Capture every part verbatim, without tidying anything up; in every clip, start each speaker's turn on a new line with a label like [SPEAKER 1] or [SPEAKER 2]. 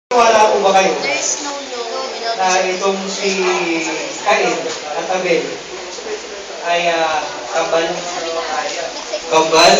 [SPEAKER 1] Wala po ba kayo
[SPEAKER 2] There's no no without
[SPEAKER 1] na itong si Cain at Abel ay uh, kambal? Kambal?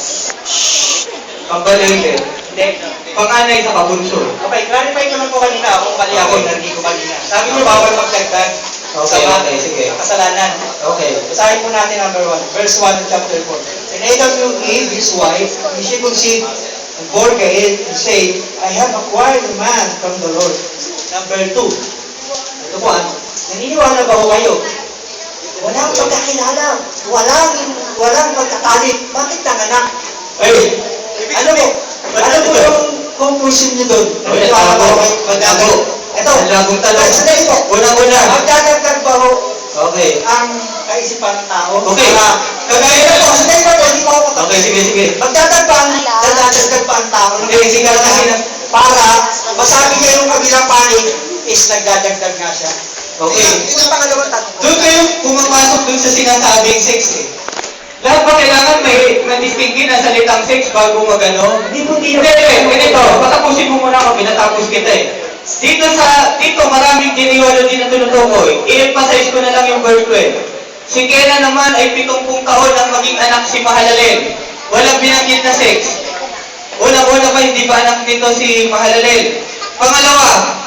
[SPEAKER 1] Kambal yun din? Hindi. Panganay sa kabunso. Okay, clarify ko lang po kanina kung mali ako, hindi ko kanina. Sabi ko bawal magdagdag sa
[SPEAKER 3] Okay, sige.
[SPEAKER 1] kasalanan.
[SPEAKER 3] Okay.
[SPEAKER 1] Basahin po natin number one, verse one of chapter four. And Adam knew Eve, his wife, and she conceived and bore Cain, and said, I have acquired a man from the Lord. Number two. Ito po, ah, naniniwala ba ho kayo? Walang pagkakilala, walang, walang pagkakalit. Bakit nanganak? Ay, ano po? Ano po yung conclusion niyo doon? Naniniwala ba ho kayo? Magdabo. Ito,
[SPEAKER 3] Malabong tanong.
[SPEAKER 1] sandali po.
[SPEAKER 3] Una-una.
[SPEAKER 1] Magdadagdag ba ho
[SPEAKER 3] Okay.
[SPEAKER 1] ang kaisipan ng tao?
[SPEAKER 3] Okay.
[SPEAKER 1] Para, kagaya na po, sandali pa po, hindi pa ako tapos.
[SPEAKER 3] Okay, sige, sige.
[SPEAKER 1] Magdadagdag pa ang, dadadagdag pa ang tao. Hindi, sige kasi na, para masabi niya yung kabilang panig is nagdadagdag nga siya.
[SPEAKER 3] Okay.
[SPEAKER 1] Yun ang pangalawang tanong ko.
[SPEAKER 3] Doon kayo pumapasok dun sa sinasabing sex eh. Lahat ba kailangan may madistingin ang salitang sex bago magano?
[SPEAKER 1] Hindi po, hindi
[SPEAKER 3] Hindi, hindi, ganito. Patapusin mo muna ako, pinatapos kita eh. Dito sa, dito maraming genealogy na tinutukoy. I-emphasize ko na lang yung verse twelve. Si Kena naman ay pitongpung taon nang maging anak si Mahalalel. Walang binanggit na sex. Una-una pa hindi pa anak nito si Mahalalel. Pangalawa,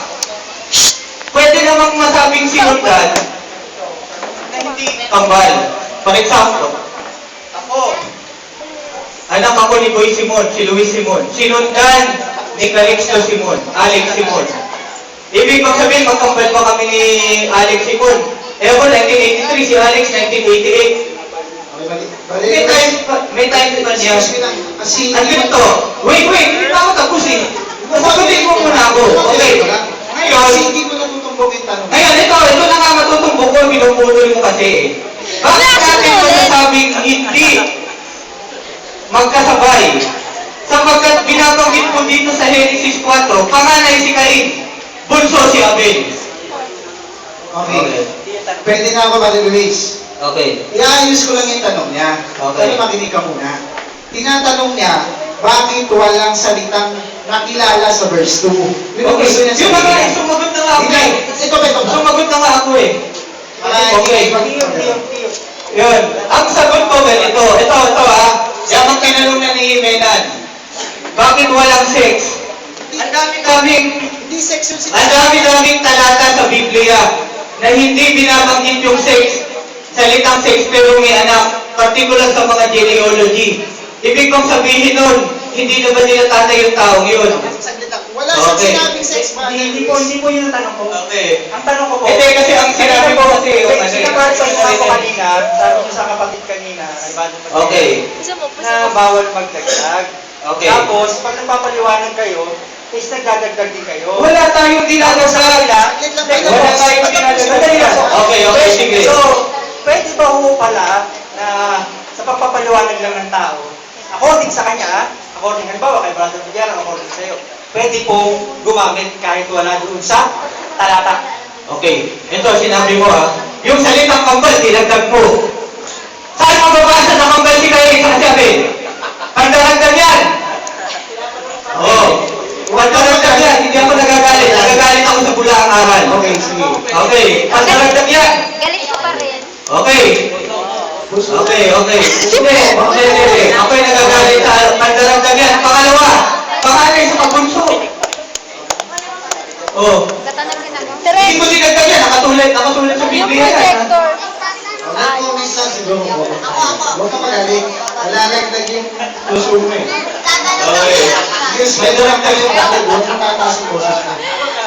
[SPEAKER 3] pwede namang masabing sinundan na hindi kambal. For example, ako, anak ako ni Boy Simon, si Luis Simon. Sinundan ni Calixto Simon, Alex Simon. Ibig bang sabihin, magkambal pa kami ni Alex Simon. Eh ako, nineteen eighty-three, si Alex, nineteen eighty-eight. May time, may time pa niya.
[SPEAKER 4] Kasi,
[SPEAKER 3] Ang ganito, wait, wait, hindi pa ako tapos eh. Masagutin mo muna ako. Okay. Ngayon,
[SPEAKER 4] kasi hindi ko natutumbok yung tanong.
[SPEAKER 3] ngayon, ito, ito na nga matutumbok ko, pinuputol mo kasi eh. Bakit natin masasabing hindi magkasabay? Sapagkat binabanggit po dito sa Genesis four, panganay si Cain, bunso si Abel.
[SPEAKER 4] Okay. Pwede na ako, Brother Luis.
[SPEAKER 3] Okay.
[SPEAKER 4] Iayos ko lang yung tanong niya.
[SPEAKER 3] Okay.
[SPEAKER 4] Pero makinig ka muna. Tinatanong niya, bakit walang salitang nakilala sa verse two? Yun ang
[SPEAKER 3] Okay.
[SPEAKER 4] gusto niya
[SPEAKER 3] Yung mga
[SPEAKER 4] sabihin.
[SPEAKER 3] sumagot na nga ako
[SPEAKER 4] Hindi.
[SPEAKER 3] eh.
[SPEAKER 4] Ito ba ito ba?
[SPEAKER 3] Sumagot na nga ako eh.
[SPEAKER 4] Ay,
[SPEAKER 3] Okay.
[SPEAKER 1] Tiyo, tiyo, tiyo.
[SPEAKER 3] Yun. Ang sagot ko ganito. Ito, ito ah. Yan ang tinanong na ni Menan. Bakit walang sex? Ang dami-daming
[SPEAKER 4] Hindi section si
[SPEAKER 3] Ang dami-daming talata sa Biblia na hindi binabanggit yung sex, salitang sex pero may anak, particular sa mga genealogy. Ibig kong sabihin nun, hindi na ba nila tatay yung taong yun?
[SPEAKER 4] Saglit lang. Wala siyang
[SPEAKER 3] Okay.
[SPEAKER 4] sinabing sex, Brother
[SPEAKER 1] Hindi, hindi
[SPEAKER 4] Luis.
[SPEAKER 1] po, hindi po yun ang tanong ko.
[SPEAKER 3] Okay.
[SPEAKER 1] Ang tanong ko po,
[SPEAKER 3] Hindi kasi ang sinabi ko kasi yung ano eh.
[SPEAKER 1] Sinabarsan ko ako kanina, sabi ko sa kapatid kanina, ay bago mag-
[SPEAKER 3] Okay.
[SPEAKER 2] Isa mo,
[SPEAKER 1] na bawal magdagdag.
[SPEAKER 3] Okay.
[SPEAKER 1] Tapos, pag nagpapaliwanag kayo, is nagdadagdag din kayo.
[SPEAKER 3] Wala tayong
[SPEAKER 1] Tapos sa
[SPEAKER 3] dinadagdag.
[SPEAKER 1] kanila,
[SPEAKER 4] Saglit lang,
[SPEAKER 1] Wala
[SPEAKER 4] Brother Luis.
[SPEAKER 3] tayong
[SPEAKER 1] Sandali lang.
[SPEAKER 3] Okay, okay, sige.
[SPEAKER 1] So, pwede ba ho pala na sa pagpapaliwanag lang ng tao, according sa kanya, ah, according, halimbawa kay Brother Miguel, according sa'yo, pwede pong gumamit kahit wala doon sa talata.
[SPEAKER 3] Okay. Ito, sinabi mo ah. Yung salitang kambal, dinagdag mo. Saan mababasa na kambal si Cain sa kasabi? Pagdaragdag yan. Oo. Oh. Pagdaragdag yan. Hindi ako nagagalit. Nagagalit ako sa bulaang aral.
[SPEAKER 4] Okay, sige.
[SPEAKER 3] Okay. Pagdaragdag yan.
[SPEAKER 2] Galit ko pa rin.
[SPEAKER 3] Okay. Okay, okay. Hindi, okay, hindi. Ako'y nagagalit sa pagdaragdag yan. Pangalawa, panganay sa pabunso. Oh.
[SPEAKER 2] Katanong din ako.
[SPEAKER 3] Hindi ko dinagdag yan. Nakatulad, nakatulad sa
[SPEAKER 2] Yung
[SPEAKER 3] Biblia yan.
[SPEAKER 2] projector.
[SPEAKER 4] Wala ko may sa siguro ko. Huwag ka magaling. Malalagdag yung puso mo eh.
[SPEAKER 3] Okay.
[SPEAKER 4] Yung spell lang tayo yung bakit huwag mo tataas yung boses mo.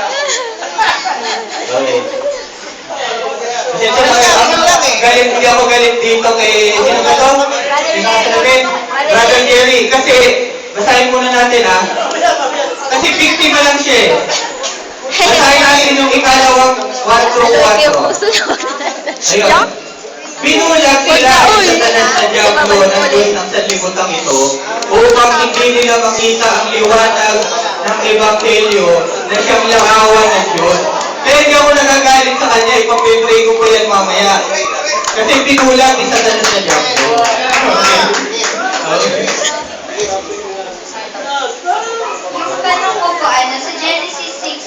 [SPEAKER 3] Okay. Pasensya na kayo. Galit, hindi ako galit dito kay, sino ba to? Sinasabi? Brother Jerry. Kasi, basahin muna natin ha. Kasi biktima lang siya eh. Basahin natin yung ikalawang one through
[SPEAKER 2] Alam yung
[SPEAKER 3] four.
[SPEAKER 2] puso na.
[SPEAKER 3] Ayun. Binulag sila sa tanan sa Diablo ng Diyos ng sanlibutan ito upang hindi nila makita ang liwanag ng Ebanghelyo na siyang langawan ng Diyos. Kaya hindi ako nagagalit sa kanya, ipapipray ko po yan mamaya. Kasi binulag ni Satanas sa Diablo. Okay.
[SPEAKER 2] Yung tanong ko po ay nasa Genesis six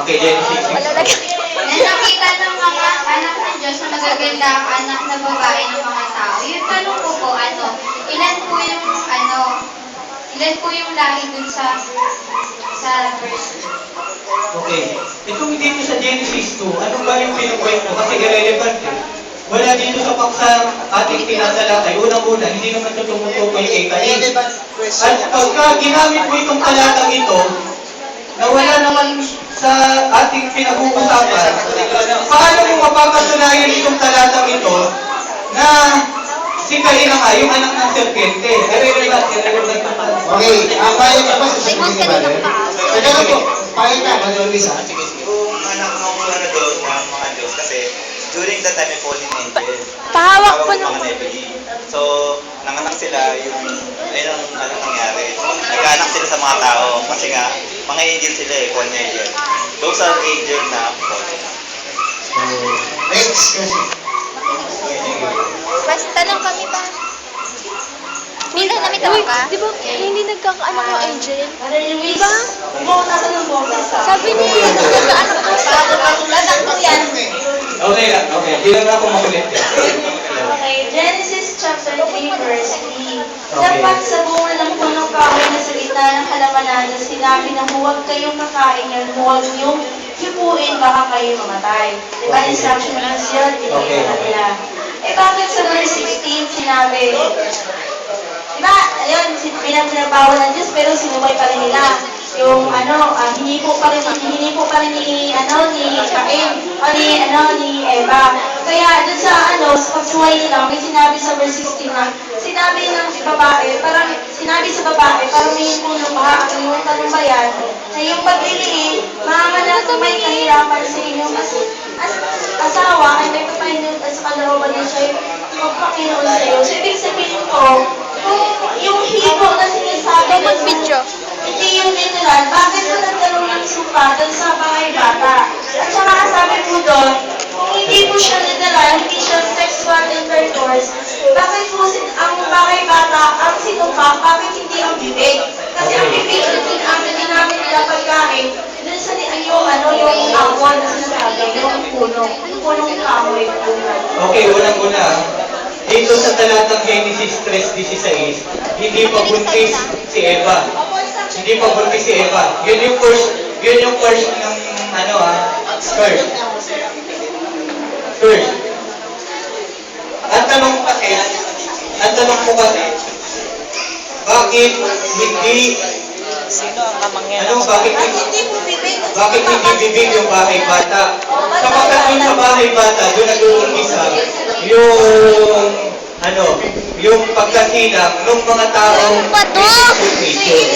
[SPEAKER 3] Okay, Genesis six.
[SPEAKER 2] Wala na.
[SPEAKER 5] Na nakita ng mga anak ng Diyos na magaganda ang anak na babae ng mga tao. Yung tanong ko po, ano, ilan po yung, ano, ilan po yung lahi dun sa, sa verse?
[SPEAKER 3] Okay. Itong dito sa Genesis two, ano ba yung pinupoint mo? Kasi irrelevant eh. Wala dito sa paksa ating tinatalakay. Unang-una, hindi naman ito tumutukoy kay Cain. At pagka ginamit mo itong talatang ito, na wala naman sa ating pinag-uusapan, paano mo mapapatunayan itong talatang ito na si Cain na nga, yung anak ng serpente? Irrelevant, irrelevant na pa.
[SPEAKER 4] Okay, ang bayan niya pa sa
[SPEAKER 2] May
[SPEAKER 4] sabihin ni
[SPEAKER 2] monster
[SPEAKER 4] Brother.
[SPEAKER 2] ng paa.
[SPEAKER 4] Teka lang po, pakita ka, Brother Luis ha.
[SPEAKER 6] Yung anak ng ano doon, ng mga Diyos, kasi during that time, may fallen angel.
[SPEAKER 2] Pahawak
[SPEAKER 6] Tawag
[SPEAKER 2] po
[SPEAKER 6] ng
[SPEAKER 2] ng...
[SPEAKER 6] mga Nephilim. So, nanganak sila, yung, ayun ang ano nangyari. Nagkaanak sila sa mga tao, kasi nga, mga angel sila eh, fallen angel. Those are angel na fallen.
[SPEAKER 4] Next question.
[SPEAKER 2] Mas tanong kami pa. Minsan namin tawag ka?
[SPEAKER 7] Di ba hindi nagkakaanak yung angel?
[SPEAKER 5] Di ba? Kung nasa ng bola sa...
[SPEAKER 7] Sabi niya, hindi nagkaanak ko siya.
[SPEAKER 5] Katulad ang yan.
[SPEAKER 3] Okay lang, okay. Hindi lang ako makulit yan.
[SPEAKER 5] Okay, Genesis chapter three, verse three. Dapat sa bunga ng punong kahoy na sa gitna ng halamanan na sinabi na huwag kayong kakain yan, huwag niyong hipuin, baka kayo mamatay. Di ba, instruction ng Diyos yun, hindi
[SPEAKER 3] Okay.
[SPEAKER 5] na nila. Eh bakit sa verse sixteen sinabi, di ba, ayun, sin- pinag- pinabawal ng Diyos pero sinubay pa rin nila. Yung ano, uh, hinipo pa rin, hinipo pa rin ni, ano, ni Cain, o ni, ano, ni Eva. Kaya dun sa, ano, sa pagsuway nila, may sinabi sa verse sixteen na, sinabi ng babae, parang, sinabi sa babae, parang may punong baha, ang tanong ba yan, na yung pagliliin, mamanap kung may kahirapan sa inyong as, as, asawa, ay may papahinod at sa kalooban niya siya, magpakinoon sa iyo. So, ibig sabihin ko, kung yung hipo na sinasabi ng
[SPEAKER 2] Mag-video.
[SPEAKER 5] hindi yung literal, bakit po nagkaroon ng sumpa doon sa bahay bata? At saka sabi po doon, kung hindi po siya literal, hindi siya sexual intercourse, bakit po sin ang bahay bata, ang sinumpa, bakit hindi ang bibig? Kasi ang bibig ang din ang ginamit nila pagkain, doon sa ni yung ano, yung awon na sinasabi, yung puno, yung punong kahoy.
[SPEAKER 3] Okay, unang-una, dito sa talatang Genesis three sixteen, hindi pa buntis si Eva. Hindi pa buntis si Eva. Yun yung first, yun yung first ng ano ah, first. First. Ang tanong kasi, ang tanong ko kasi, bakit hindi, ano, bakit hindi, bakit hindi bibig yung bahay bata? Sapagkat yung sa bahay bata, doon nag-uumpisa yung, ano, yung pagkasilang ng mga taong
[SPEAKER 2] Ano ba to?
[SPEAKER 3] with nature.